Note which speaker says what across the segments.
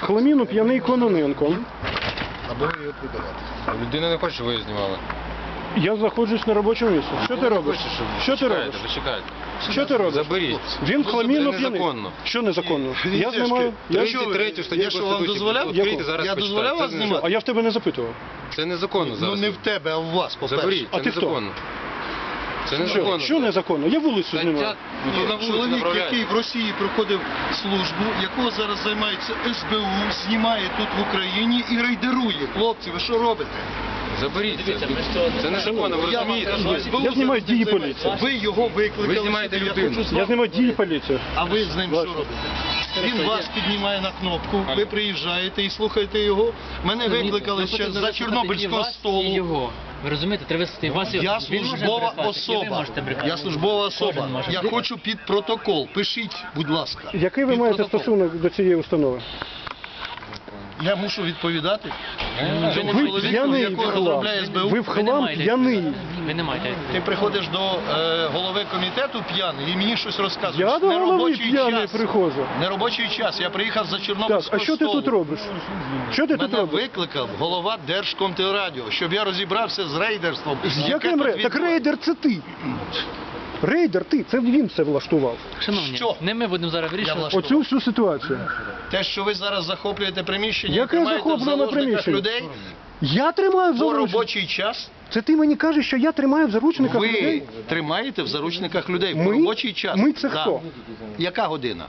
Speaker 1: В хламіну п'яний Кононенко.
Speaker 2: Або ви його приберете.
Speaker 3: Людина не хоче, щоб ви її знімали.
Speaker 1: Я знаходжусь на робочому місці. Що ти робиш? Що ти робиш?
Speaker 3: Ви чекаєте.
Speaker 1: Що ти робиш?
Speaker 3: Заберіть.
Speaker 1: Він в хламіну
Speaker 3: Це
Speaker 1: п'яний.
Speaker 3: незаконно.
Speaker 1: Що незаконно? Я знімаю.
Speaker 3: 33 статтю
Speaker 2: Я що, вам дозволяв?
Speaker 3: Відкрийте, зараз
Speaker 2: Я дозволяв вас
Speaker 3: почитайте.
Speaker 2: знімати?
Speaker 1: А я в тебе не запитував.
Speaker 3: Це незаконно
Speaker 2: Ну
Speaker 3: зараз.
Speaker 2: не в тебе, а в вас, по-перше.
Speaker 3: Заберіть,
Speaker 1: А
Speaker 3: це
Speaker 1: ти хто?
Speaker 3: незаконно. Це незаконно.
Speaker 1: Що незаконно? Я вулицю знімаю.
Speaker 3: Стаття, ну, то на вулиці
Speaker 2: Чоловік,
Speaker 3: направляють.
Speaker 2: який в Росії проходив службу, якого зараз займається СБУ, знімає тут в Україні і рейдерує. Хлопці, ви що робите?
Speaker 3: Заберіть це. Це незаконно, ви
Speaker 2: Я вам
Speaker 3: розумієте?
Speaker 2: кажу, СБУ
Speaker 1: Я знімаю
Speaker 2: зараз
Speaker 1: дії
Speaker 2: цим займається.
Speaker 1: поліції.
Speaker 2: Ви його викликали.
Speaker 3: Ви знімаєте
Speaker 2: сюди,
Speaker 3: людину.
Speaker 2: Я хочу з
Speaker 1: Я
Speaker 2: вами
Speaker 1: знімаю дії поліції.
Speaker 2: А ви з ним що
Speaker 1: Бачу.
Speaker 2: робите? Він вас піднімає на кнопку, ви приїжджаєте і слухаєте його. Мене викликали ще за Чорнобильського столу.
Speaker 4: Його. Ви розумієте, треба вести вас.
Speaker 2: Я службова особа. Я службова особа. Я хочу під протокол. Пишіть, будь ласка.
Speaker 1: Який ви
Speaker 2: Під
Speaker 1: маєте
Speaker 2: протокол.
Speaker 1: стосунок до цієї установи?
Speaker 2: Я мушу відповідати. Ви не
Speaker 1: Ви
Speaker 2: чоловік,
Speaker 1: п'яний в
Speaker 2: якого
Speaker 1: хлам.
Speaker 2: розробляє СБУ.
Speaker 1: Ви в хлам п'яний.
Speaker 4: Ви не маєте.
Speaker 2: Ти приходиш до голови комітету п'яний і мені щось розказуєш.
Speaker 1: Я до голови
Speaker 2: Неробочий
Speaker 1: п'яний
Speaker 2: час.
Speaker 1: приходжу.
Speaker 2: Неробочий час. Я приїхав за
Speaker 1: Так,
Speaker 2: Чорнобильського
Speaker 1: а що ти
Speaker 2: столу.
Speaker 1: тут робиш? Що ти тут
Speaker 2: Мене
Speaker 1: робиш?
Speaker 2: викликав голова Держкомтелерадіо, щоб я розібрався з рейдерством.
Speaker 1: З
Speaker 2: яке
Speaker 1: яким
Speaker 2: тут
Speaker 1: рейдер? Так
Speaker 2: відбувається.
Speaker 1: рейдер це ти. Рейдер ти, це він все влаштував.
Speaker 4: Шановні,
Speaker 2: Що?
Speaker 4: не ми будемо зараз
Speaker 2: Я
Speaker 4: вирішувати.
Speaker 2: влаштував.
Speaker 1: Оцю всю ситуацію.
Speaker 2: Те, що ви зараз захоплюєте приміщення,
Speaker 1: Яке
Speaker 2: і тримаєте в
Speaker 1: захоплене
Speaker 2: заложниках
Speaker 1: приміщення?
Speaker 2: людей
Speaker 1: Я тримаю в
Speaker 2: по
Speaker 1: заручниках.
Speaker 2: робочий час,
Speaker 1: Це ти мені кажеш, що я тримаю в заручниках
Speaker 2: ви
Speaker 1: людей?
Speaker 2: тримаєте в заручниках людей
Speaker 1: Ми?
Speaker 2: по робочий час.
Speaker 1: Ми це
Speaker 2: Да.
Speaker 1: хто?
Speaker 2: Яка година?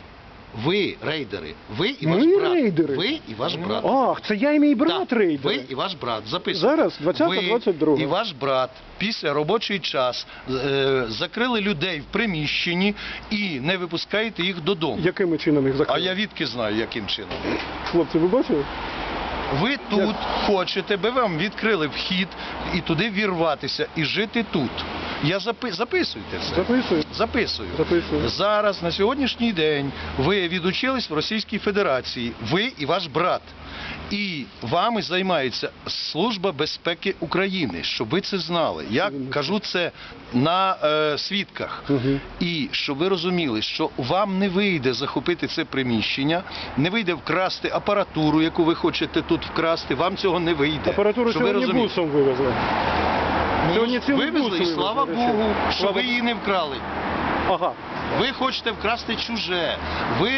Speaker 2: Ви рейдери. Ви і
Speaker 1: Ми
Speaker 2: ваш брат.
Speaker 1: рейдери?
Speaker 2: Ви і ваш брат.
Speaker 1: Ах, це я і мій брат
Speaker 2: Так,
Speaker 1: рейдер.
Speaker 2: ви і ваш брат. Записуйте.
Speaker 1: Зараз, 20-22.
Speaker 2: Ви і ваш брат після робочий час закрили людей в приміщенні і не випускаєте їх додому.
Speaker 1: Якими чином їх
Speaker 2: А
Speaker 1: закрили?
Speaker 2: я відки знаю, яким чином.
Speaker 1: Хлопці, ви бачили?
Speaker 2: Ви тут хочете, би вам відкрили вхід і туди вірватися і жити тут. Записуйте це.
Speaker 1: Записую.
Speaker 2: Записую.
Speaker 1: Записую.
Speaker 2: Зараз, на сьогоднішній день, ви відучились в Російській Федерації, ви і ваш брат. І вами займається Служба безпеки України, щоб ви це знали. Я кажу це на свідках. І щоб ви розуміли, що вам не вийде захопити це приміщення, не вийде вкрасти апаратуру, яку ви хочете тут вкрасти, вам цього не вийде.
Speaker 1: Апаратуру
Speaker 2: Щоб ви
Speaker 1: сьогодні
Speaker 2: розуміли.
Speaker 1: бусом вивезли. Сьогодні цілий бус
Speaker 2: Вивезли, і слава
Speaker 1: вивезли,
Speaker 2: Богу,
Speaker 1: речі.
Speaker 2: що
Speaker 1: Слава-
Speaker 2: ви її не вкрали.
Speaker 1: Ага.
Speaker 2: Ви хочете вкрасти чуже. Ви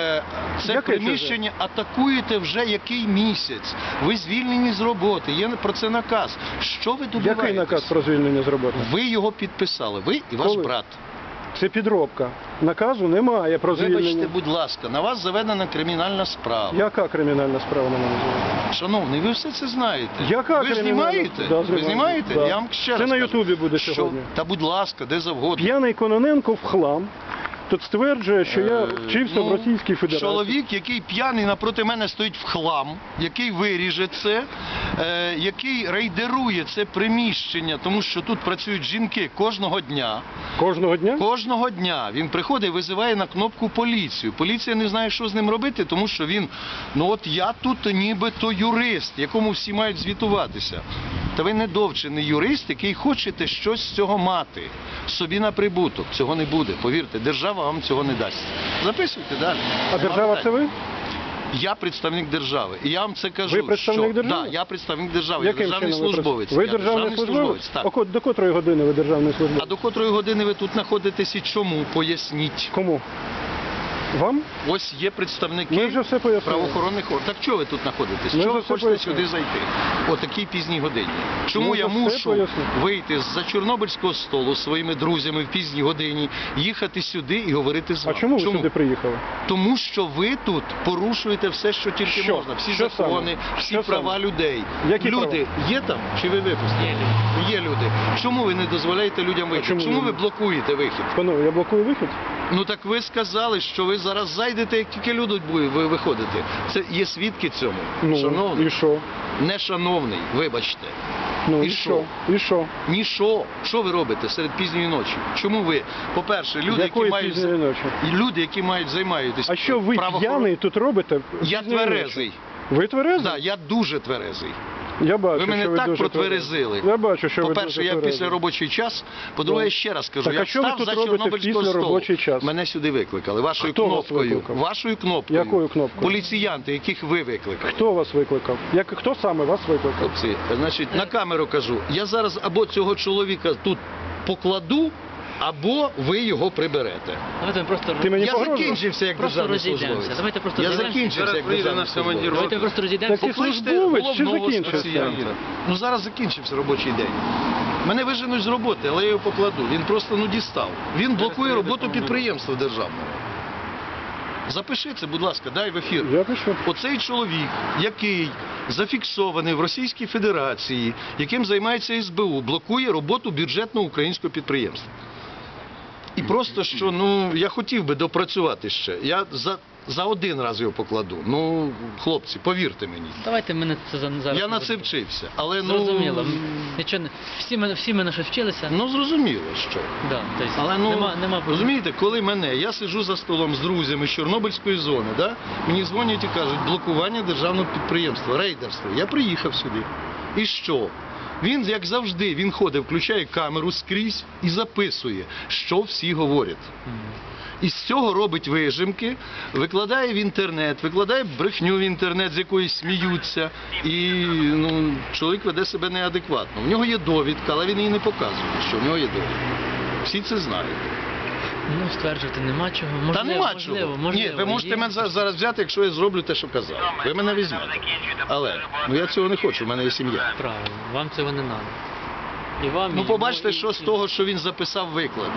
Speaker 2: це
Speaker 1: Яке
Speaker 2: приміщення атакуєте вже який місяць. Ви звільнені з роботи. Є про це наказ. Що ви добиваєтесь?
Speaker 1: Який наказ про звільнення з роботи?
Speaker 2: Ви його підписали. Ви і ваш
Speaker 1: Коли?
Speaker 2: брат.
Speaker 1: Це підробка. Наказу немає про
Speaker 2: Вибачте,
Speaker 1: звільнення.
Speaker 2: будь ласка, на вас заведена кримінальна справа.
Speaker 1: Яка кримінальна справа на мене звільнення?
Speaker 2: Шановний, ви все це знаєте.
Speaker 1: Яка
Speaker 2: ви ж
Speaker 1: кримінальна?
Speaker 2: знімаєте?
Speaker 1: Да,
Speaker 2: Ви
Speaker 1: знімаю.
Speaker 2: знімаєте?
Speaker 1: Да.
Speaker 2: Я вам ще
Speaker 1: Це
Speaker 2: раз
Speaker 1: на
Speaker 2: кажу,
Speaker 1: Ютубі буде
Speaker 2: що-
Speaker 1: сьогодні.
Speaker 2: Та будь ласка, де завгодно.
Speaker 1: П'яний Кононенко в хлам. Тут стверджує, що я вчився в Російській Федерації.
Speaker 2: Чоловік, який п'яний напроти мене стоїть в хлам, який виріже це, який рейдерує це приміщення, тому що тут працюють жінки кожного дня.
Speaker 1: Кожного дня?
Speaker 2: Кожного дня він приходить і визиває на кнопку поліцію. Поліція не знає, що з ним робити, тому що він, ну от я тут нібито юрист, якому всі мають звітуватися. Та ви недовчений юрист, який хочете щось з цього мати. Собі на прибуток. Цього не буде. Повірте, держава вам цього не дасть. Записуйте далі.
Speaker 1: А держава це ви?
Speaker 2: Я представник держави. І я вам це кажу.
Speaker 1: Ви представник
Speaker 2: що...
Speaker 1: держави?
Speaker 2: Да, я представник держави. Я
Speaker 1: Яким
Speaker 2: державний
Speaker 1: чином ви
Speaker 2: службовець.
Speaker 1: Ви
Speaker 2: Я
Speaker 1: державний службовець?
Speaker 2: Так.
Speaker 1: До котрої години ви державний
Speaker 2: А
Speaker 1: службовець?
Speaker 2: до котрої години ви тут знаходитесь і чому? Поясніть.
Speaker 1: Кому? Вам?
Speaker 2: Ось є представники
Speaker 1: Ми вже все пояснили.
Speaker 2: правоохоронних органів. Так чого ви тут знаходитесь?
Speaker 1: Ми
Speaker 2: Чого ви
Speaker 1: вже все
Speaker 2: хочете
Speaker 1: пояснили.
Speaker 2: сюди зайти? О такій пізній годині. Чому
Speaker 1: Ми
Speaker 2: я
Speaker 1: вже все
Speaker 2: мушу
Speaker 1: пояснили.
Speaker 2: вийти з-за Чорнобильського столу зі своїми друзями в пізній годині, їхати сюди і говорити з
Speaker 1: А
Speaker 2: вами?
Speaker 1: чому ви сюди приїхали?
Speaker 2: Тому що ви тут порушуєте все, що тільки
Speaker 1: Що?
Speaker 2: можна. Всі
Speaker 1: Що
Speaker 2: закони,
Speaker 1: саме?
Speaker 2: всі
Speaker 1: Що
Speaker 2: права
Speaker 1: саме?
Speaker 2: людей.
Speaker 1: Які
Speaker 2: Люди є там чи ви випустили?
Speaker 4: Є люди.
Speaker 2: Є люди. Чому ви не дозволяєте людям вийти?
Speaker 1: чому
Speaker 2: Чому
Speaker 1: ви-
Speaker 2: ви блокуєте вихід?
Speaker 1: Панове, я блокую вихід?
Speaker 2: Ну так ви сказали, що ви зараз зайдете, як тільки люди будуть виходити. Це є свідки цьому.
Speaker 1: Ну,
Speaker 2: Шановний,
Speaker 1: і що?
Speaker 2: нешановний, вибачте.
Speaker 1: Ну,
Speaker 2: І
Speaker 1: і
Speaker 2: що?
Speaker 1: що? І що?
Speaker 2: Ні що? Що ви робите серед пізньої ночі? Чому ви, по-перше, люди, які
Speaker 1: Якої
Speaker 2: мають
Speaker 1: пізньої ночі?
Speaker 2: люди, які мають займатися
Speaker 1: А що ви п'яний тут робите?
Speaker 2: Я
Speaker 1: пізньої
Speaker 2: тверезий.
Speaker 1: ночі? Ви тверезий?
Speaker 2: Да, я дуже тверезий.
Speaker 1: Я бачу,
Speaker 2: Ви мене
Speaker 1: що ви
Speaker 2: так
Speaker 1: дуже
Speaker 2: протверезили.
Speaker 1: тверезі. Я бачу, що ви
Speaker 2: По-перше,
Speaker 1: дуже
Speaker 2: я
Speaker 1: тверезі.
Speaker 2: після робочий час. По-друге,
Speaker 1: Да.
Speaker 2: ще раз кажу,
Speaker 1: Так, а
Speaker 2: я
Speaker 1: що ви
Speaker 2: встав
Speaker 1: тут
Speaker 2: за
Speaker 1: робите
Speaker 2: Чорнобильського
Speaker 1: після
Speaker 2: столу.
Speaker 1: робочий час?
Speaker 2: Мене сюди викликали. Вашою
Speaker 1: Хто вас
Speaker 2: кнопкою.
Speaker 1: викликав?
Speaker 2: Вашою кнопкою.
Speaker 1: Якою кнопкою?
Speaker 2: Поліціянти, яких ви викликали.
Speaker 1: Хто вас викликав? Хто саме вас викликав?
Speaker 2: Хлопці, значить, на камеру кажу, я зараз або цього чоловіка тут покладу, або ви його приберете.
Speaker 4: Давайте ми просто
Speaker 1: Ти мені
Speaker 2: Я
Speaker 1: погрожуєш?
Speaker 2: закінчився як
Speaker 4: Просто
Speaker 2: державний
Speaker 4: розійдемося.
Speaker 2: службовець.
Speaker 4: Давайте просто
Speaker 2: Я
Speaker 4: розійдемося.
Speaker 2: закінчився
Speaker 3: Зараз
Speaker 2: як
Speaker 3: приїде
Speaker 2: державний
Speaker 3: наш
Speaker 2: службовець.
Speaker 3: командир.
Speaker 4: Давайте просто розійдемося.
Speaker 1: Так і
Speaker 2: Покличте
Speaker 1: службовець чи
Speaker 2: головного
Speaker 1: закінчився?
Speaker 2: спеціаліста. Ну зараз закінчився робочий день. Мене виженуть з роботи, але я його покладу. Він просто дістав. Він блокує роботу підприємства державного. Запиши це, будь ласка, дай в ефір.
Speaker 1: Я пишу.
Speaker 2: Оцей чоловік, який зафіксований в Російській Федерації, яким займається СБУ, блокує роботу бюджетного українського підприємства. І просто що, я хотів би допрацювати ще. Я за один раз його покладу. Хлопці, повірте мені.
Speaker 4: Давайте ми це зараз.
Speaker 2: Я на це вчився, але
Speaker 4: Зрозуміло. Нічого не... всі ми на щось вчилися.
Speaker 2: зрозуміло, що.
Speaker 4: Да, тобто,
Speaker 2: Але
Speaker 4: нема...
Speaker 2: розумієте, коли я сиджу за столом з друзями з Чорнобильської зони, да, мені дзвонять і кажуть, блокування державного підприємства, рейдерство. Я приїхав сюди. І що? Він, як завжди, він ходить, включає камеру скрізь і записує, що всі говорять. І з цього робить вижимки, викладає в інтернет, викладає брехню в інтернет, з якої сміються. І чоловік веде себе неадекватно. В нього є довідка, але він її не показує, що в нього є довідка. Всі це знають.
Speaker 4: Стверджувати нема чого. Можливо,
Speaker 2: Та нема
Speaker 4: можливо,
Speaker 2: чого. Ні, ви можете
Speaker 4: є.
Speaker 2: мене зараз взяти, якщо я зроблю те, що казав. Ви мене візьмете. Але я цього не хочу, в мене є сім'я.
Speaker 4: Правильно, вам цього не треба. І вам, і
Speaker 2: Побачите,
Speaker 4: йому,
Speaker 2: що з того, що він записав, викладе.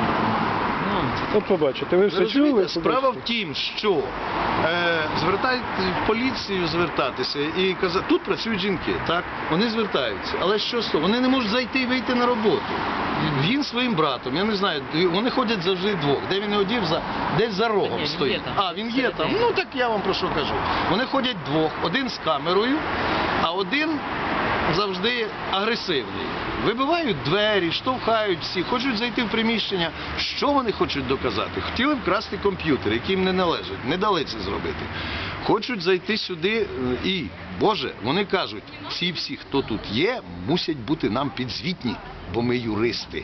Speaker 1: От побачите, ви
Speaker 2: Ви
Speaker 1: все
Speaker 2: розумієте,
Speaker 1: чули?
Speaker 2: справа в тім, що звертають в поліцію звертатися і казати, тут працюють жінки, так? Вони звертаються. Але що з того? Вони не можуть зайти і вийти на роботу. Він своїм братом, я не знаю, вони ходять завжди двох. Де він його дів, десь за
Speaker 4: Ні,
Speaker 2: рогом
Speaker 4: він
Speaker 2: стоїть.
Speaker 4: є там.
Speaker 2: А, він є там.
Speaker 4: Всередині.
Speaker 2: Так я вам про що кажу. Вони ходять двох, один з камерою, а один завжди агресивний. Вибивають двері, штовхають всі, хочуть зайти в приміщення. Що вони хочуть доказати? Хотіли вкрасти комп'ютер, який їм не належить. Не дали це зробити. Хочуть зайти сюди і, Боже, вони кажуть, ці всі, хто тут є, мусять бути нам підзвітні, бо ми юристи.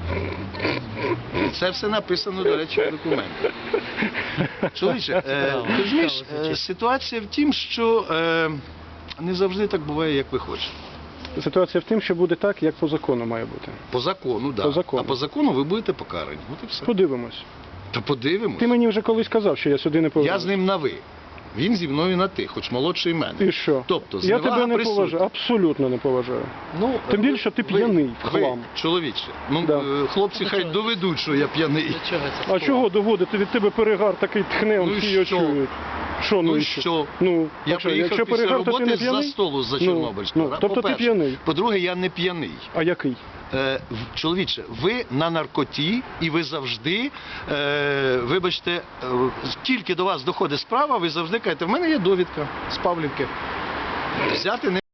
Speaker 2: І це все написано, до речі, в документах. Чоловіче, розумієш, ситуація в тім, що не завжди так буває, як ви хочете.
Speaker 1: Ситуація в тім, що буде так, як по закону має бути.
Speaker 2: По закону, так.
Speaker 1: По закону.
Speaker 2: А по закону ви будете покарані. От і все.
Speaker 1: Подивимось.
Speaker 2: Та подивимось.
Speaker 1: Ти мені вже колись казав, що я сюди не повернусь.
Speaker 2: Я з ним на ви. Він зі мною на ти, хоч молодший мене.
Speaker 1: І що?
Speaker 2: Тобто,
Speaker 1: я
Speaker 2: зневага
Speaker 1: тебе не
Speaker 2: присутня.
Speaker 1: поважаю, абсолютно не поважаю. Тим більше ти п'яний в хлам.
Speaker 2: Чоловіче,
Speaker 1: Да.
Speaker 2: хлопці хай доведуть, що я п'яний.
Speaker 4: До чого це?
Speaker 1: А чого доводити? Від тебе перегар такий тхне,
Speaker 2: Ну і
Speaker 1: всі його
Speaker 2: що?
Speaker 1: чують. Що,
Speaker 2: Ну
Speaker 1: і
Speaker 2: і що?
Speaker 1: Ну,
Speaker 2: Я
Speaker 1: а що,
Speaker 2: приїхав
Speaker 1: якщо
Speaker 2: після
Speaker 1: перегар, то ти
Speaker 2: роботи
Speaker 1: не
Speaker 2: з-за
Speaker 1: п'яний?
Speaker 2: столу з-за Чорнобильського.
Speaker 1: Тобто ти
Speaker 2: По-перше.
Speaker 1: п'яний.
Speaker 2: По-друге, я не п'яний.
Speaker 1: А який?
Speaker 2: Чоловіче, ви на наркоті і ви завжди, вибачте, тільки до вас доходить справа, ви завжди кажете, в мене є довідка з Павлівки. Взяти не